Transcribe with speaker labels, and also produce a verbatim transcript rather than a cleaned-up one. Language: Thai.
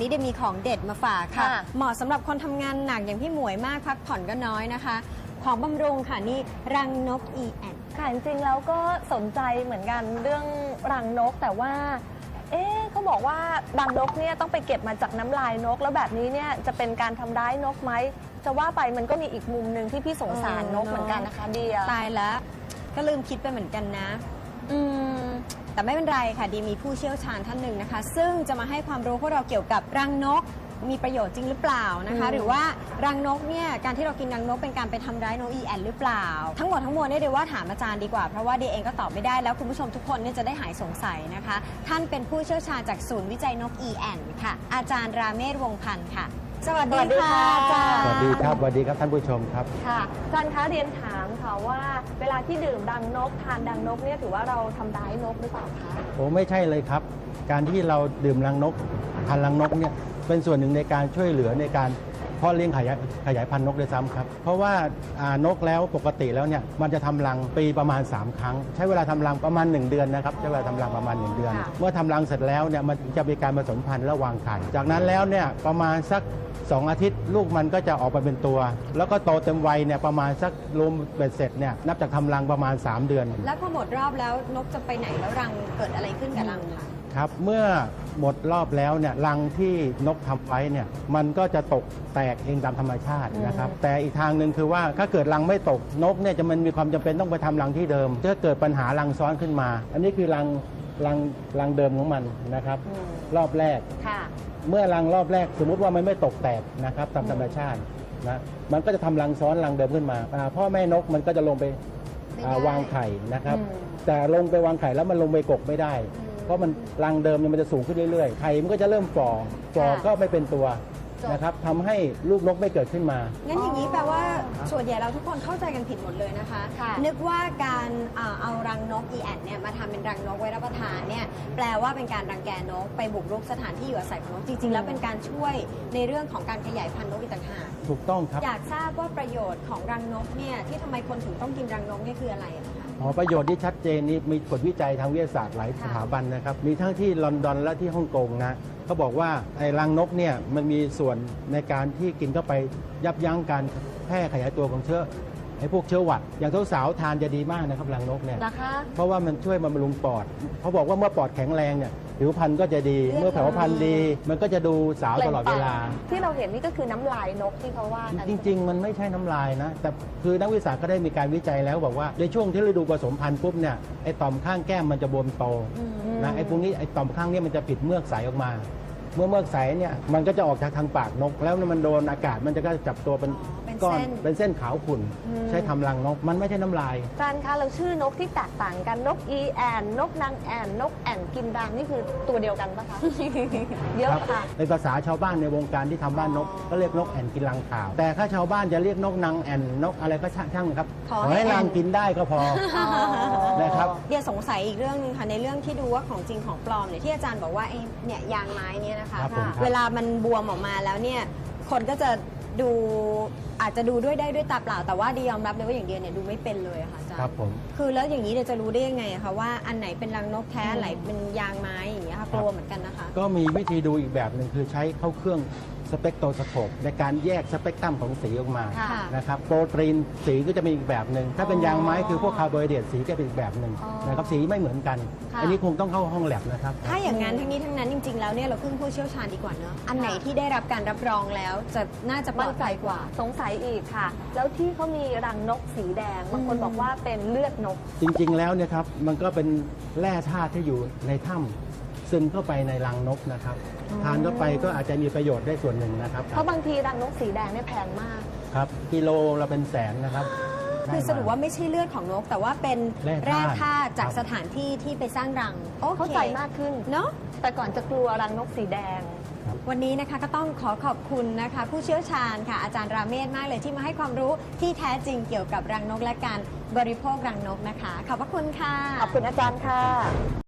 Speaker 1: นี้เดี๋ยวมีของเด็ดมาฝากค่ะ
Speaker 2: ค่ะ
Speaker 1: เหมาะสำหรับคนทำงานหนักอย่างพี่หมวยมากพักผ่อนก็น้อยนะคะ ของบำรุงค่ะนี่รังนก อี แอน
Speaker 2: ค่ะจริงๆแล้วก็สนใจเหมือนกันเรื่องรังนกแต่ว่า เอ๊ะเขาบอกว่ารังนกเนี่ยต้องไปเก็บมาจากน้ำลายนก แล้วแบบนี้เนี่ยจะเป็นการทำร้ายนกไหมจะว่าไปมันก็มีอีกมุมหนึ่งที่พี่สงสารนกเหมือนกันนะคะเดีย
Speaker 1: ตายแล้วก็ลืมคิดไปเหมือนกันนะ
Speaker 2: อืม
Speaker 1: แต่ไม่เป็นไรค่ะดีมีผู้เชี่ยวชาญท่านหนึ่งนะคะ ซึ่งจะมาให้ความรู้พวกเราเกี่ยวกับรังนกมีประโยชน์จริงหรือเปล่านะคะ
Speaker 2: อืม
Speaker 1: หรือว่ารังนกเนี่ยการที่เรากินรังนกเป็นการไปทำร้ายนก อี แอน หรือเปล่า ทั้งหมดทั้งมวลเนี่ยเดี๋ยวว่าถามอาจารย์ดีกว่าเพราะว่าเดียเองก็ตอบไม่ได้แล้วคุณผู้ชมทุกคนเนี่ยจะได้หายสงสัยนะคะ ท่านเป็นผู้เชี่ยวชาญจากศูนย์วิจัยนก อี แอน ค่ะ อาจารย์ราเมศวงศ์พันธ์ค่ะ สวัสดีค่ะอาจารย์
Speaker 3: สวัสดีครับสวัสดีครับท่านผู้ชมครับ
Speaker 2: ค่ะอาจารย์คะเรียนถามค่ะว่าเวลาที่ดื่มรังนกทานรังนกเนี่ยถือว่าเราทำร้ายนกหรือเปล่าคะ
Speaker 3: โอ้ไม่ใช่เลยครับ การที่เราดื่มรังนกทานรังนกเนี่ยเป็นส่วนหนึ่งในการช่วยเหลือในการเพาะเลี้ยงขยายขยายพันธุ์นกด้วยซ้ำครับ เพราะว่าอ่านกแล้วปกติแล้วเนี่ยมันจะทำรังปีประมาณ สาม ครั้ง ใช้เวลาทำรังประมาณ หนึ่ง เดือนนะครับใช้เวลาทำรังประมาณ หนึ่ง เดือน
Speaker 2: ค่ะ
Speaker 3: เมื่อทำรังเสร็จแล้วเนี่ยมันจะมีการผสมพันธุ์และวางไข่จากนั้นแล้วเนี่ยประมาณสักสองอาทิตย์ลูกมันก็จะออกมาเป็นตัว แล้วก็โตเต็มวัยเนี่ยประมาณสักรวมเบ็ดเสร็จเนี่ยนับจากทำรังประมาณ สาม เดือน
Speaker 1: แล้วพอหมดรอบแล้วนกจะไปไหนแล้วรังเกิดอะไรขึ้นกับรังคะ
Speaker 3: ครับเมื่อหมดรอบแล้วเนี่ยรังที่นกทำไว้เนี่ยมันก็จะตกแตกเองตามธรรมชาตินะครับแต่อีกทางหนึ่งคือว่าถ้าเกิดรังไม่ตกนกเนี่ยจะมันมีความจำเป็นต้องไปทำรังที่เดิมถ้าเกิดปัญหารังซ้อนขึ้นมา อันนี้คือรังรังรังเดิมของมันนะครับ
Speaker 2: อืม
Speaker 3: รอบแรก
Speaker 2: ค่ะ
Speaker 3: เมื่อรังรอบแรกสมมุติว่ามันไม่ตกแตกนะครับตามธรรมชาตินะมันก็จะทำรังซ้อนรังเดิมขึ้นมาอ่าพ่อแม่นกมันก็จะลงไปอ่าวางไข่นะครับ
Speaker 2: อืม
Speaker 3: แต่ลงไปวางไข่แล้วมันลงไปกกไม่ได้ เพราะมันรังเดิมเนี่ยมันจะสูงขึ้นเรื่อยๆ ไข่มันก็จะเริ่มฝ่อฝ่อ
Speaker 1: ค่ะ
Speaker 3: ก็ไม่เป็นตัว
Speaker 1: จบ
Speaker 3: นะครับทำให้ลูกนกไม่เกิดขึ้นมา
Speaker 1: งั้นอย่างนี้แปลว่าส่วนใหญ่เราทุกคนเข้าใจกันผิดหมดเลยนะคะ
Speaker 2: ค่ะ
Speaker 1: นึกว่าการอ่าเอารังนก อี แอน เนี่ยมาทำเป็นรังนกไว้รับประทานเนี่ยแปลว่าเป็นการรังแกนกไปบุกรุกสถานที่อยู่อาศัยของนกจริงๆ แล้วเป็นการช่วยในเรื่องของการขยายพันธุ์นกอีกต่างหาก
Speaker 3: ถูกต้องครับ
Speaker 1: อยากทราบว่าประโยชน์ของรังนกเนี่ยที่ทำไมคนถึงต้องกินรังนกเนี่ยคืออะไรอะคะ
Speaker 3: อ๋อประโยชน์ที่ชัดเจนนี้มีผลวิจัยทางวิทยาศาสตร์หลาย
Speaker 1: ค่ะ
Speaker 3: สถาบันนะครับ มีทั้งที่ลอนดอนและที่ฮ่องกงนะเขาบอกว่าไอ้รังนกเนี่ยมันมีส่วนในการที่กินเข้าไปยับยั้งการแพร่ขยายตัวของเชื้อไอ้พวกเชื้อหวัด อย่างสาวๆทานจะดีมากนะครับรังนกเนี่ย
Speaker 2: นะคะ
Speaker 3: เพราะว่ามันช่วยบำรุงปอดเขาบอกว่าเมื่อปอดแข็งแรงเนี่ยผิวพรรณก็จะดี เมื่อผิวพรรณดี มันก็จะดูสาวตลอดเวลา
Speaker 2: ที่เราเห็นนี่ก็คือน้ำลายนกที่เขาว่ากัน
Speaker 3: จริง ๆ มันไม่ใช่น้ำลายนะ แต่คือนักวิทยาศาสตร์ก็ได้มีการวิจัยแล้วบอกว่าในช่วงที่ฤดูผสมพันธุ์ปุ๊บเนี่ยไอ้ต่อมข้างแก้มมันจะบวมโตนะไอ้พวกนี้ไอ้ต่อมข้างเนี้มันจะผิดเมือกใสออกมา เมื่อเมือกใสเนี่ยมันก็จะออกจากทางปากนก แล้วมันโดนอากาศมันจะก็จับตัวเป็น
Speaker 1: เป็น
Speaker 3: ก้อน
Speaker 1: เส้น
Speaker 3: เป็นเส้นขาวขุ่นใช้ทำรังนก มันไม่ใช่น้ำลาย
Speaker 2: อาจารย์คะเราชื่อนกที่แตกต่างกันนกอีแอนนกนางแอนนกแอนกินรังนี่คือตัวเดียวกันปะคะ เยอะ
Speaker 3: ครับ
Speaker 2: ค่ะ
Speaker 3: ในภาษาชาวบ้านในวงการที่ทำบ้านนกก็เรียกนกแอ่นกินรังขาว แต่ถ้าชาวบ้านจะเรียกนกนางแอ่นนกอะไรก็ช่างช่างครับ
Speaker 1: ขอให้
Speaker 3: ให้รัง
Speaker 1: แอ่น
Speaker 3: กินได้ก็พอ นะครับ
Speaker 1: เดียสงสัยอีกเรื่องหนึงค่ะในเรื่องที่ดูว่าของจริงของปลอมเนี่ยที่อาจารย์บอกว่าไอ้เนี่ยยางไม้เนี่ยนะคะ
Speaker 3: ครับผมครับ
Speaker 1: เวลามันบวมออกมาแล้วเนี่ยคนก็จะดูอาจจะดูด้วยได้ด้วยตาเปล่า แต่ว่าเดียยอมรับเลยว่าอย่างเดียเนี่ยดูไม่เป็นเลยอะค่ะอาจาร
Speaker 3: ครับ
Speaker 1: ย์
Speaker 3: ผม
Speaker 1: คือแล้วอย่างนี้เดียจะรู้ได้ยังไงอะคะว่าอันไหนเป็นรังนกแท้
Speaker 2: อืม
Speaker 1: อันไหนเป็นยางไม้อย่างเงี้ยค่ะกลัวเหมือนกันนะคะ
Speaker 3: ก็มีวิธีดูอีกแบบหนึ่งคือใช้เข้าเครื่องสเปกโทรสโคปในการแยกสเปกตรัมของสีออกมา
Speaker 2: ค่ะ
Speaker 3: นะครับโปรตีนสีก็จะมีอีกแบบหนึ่งถ้าเป็นยางไม้คือพวกคาร์โบไฮเดรตสีก็เป็นอีกแบบหนึ่ง
Speaker 2: อ๋อ
Speaker 3: นะครับสีไม่เหมือนกัน
Speaker 2: ค่ะ
Speaker 3: อันนี้คงต้องเข้าห้องแลบนะครับ
Speaker 1: ถ้าอย่างนั้นทั้งนี้ทั้งนั้นจริงๆแล้วเนี่ยเราพึ่งผู้เชี่ยวชาญดีกว่าเนอะอันไหนที่ได้รับการรับรองแล้วจะน่าจะปล
Speaker 2: มั่
Speaker 1: อน ด
Speaker 2: ใจ
Speaker 1: ภัย
Speaker 2: ก
Speaker 1: ก
Speaker 2: ว่า
Speaker 1: ว่า
Speaker 2: สงสัยอีกค่ะ แล้วที่เขามีรังนกสีแดงบางคน
Speaker 1: อืม
Speaker 2: บอกว่าเป็นเลือดนก
Speaker 3: จริงๆแล้วเนี่ยครับมันก็เป็นแร่ธาตุที่อยู่ในถ้ำซึมเข้าไปในรังนกนะครับทานเข้าไปก็อาจจะมีประโยชน์ได้ส่วนหนึ่งนะครับ
Speaker 2: เพราะบางทีรังนกสีแดงเนี่ยแพงมาก
Speaker 3: ครับกิโลละเป็นแสนนะครับ
Speaker 1: คือสรุปว่าไม่ใช่เลือดของนก แต่ว่าเป็น
Speaker 3: แร่
Speaker 1: แร่
Speaker 3: ธาตุ
Speaker 1: ธาตุจาก
Speaker 3: ครับ
Speaker 1: สถานที่ที่ไปสร้างรังโอเค
Speaker 2: เข้าใจมากขึ้น
Speaker 1: เนาะ
Speaker 2: แต่ก่อนจะกลัวรังนกสีแดง
Speaker 1: วันนี้นะคะก็ต้องขอขอบคุณนะคะ ผู้เชี่ยวชาญค่ะอาจารย์ราเมศมากเลยที่มาให้ความรู้ที่แท้จริงเกี่ยวกับรังนกและการบริโภครังนกนะคะ ขอบพระคุณค่ะ
Speaker 2: ขอบคุณอาจารย์ค่ะ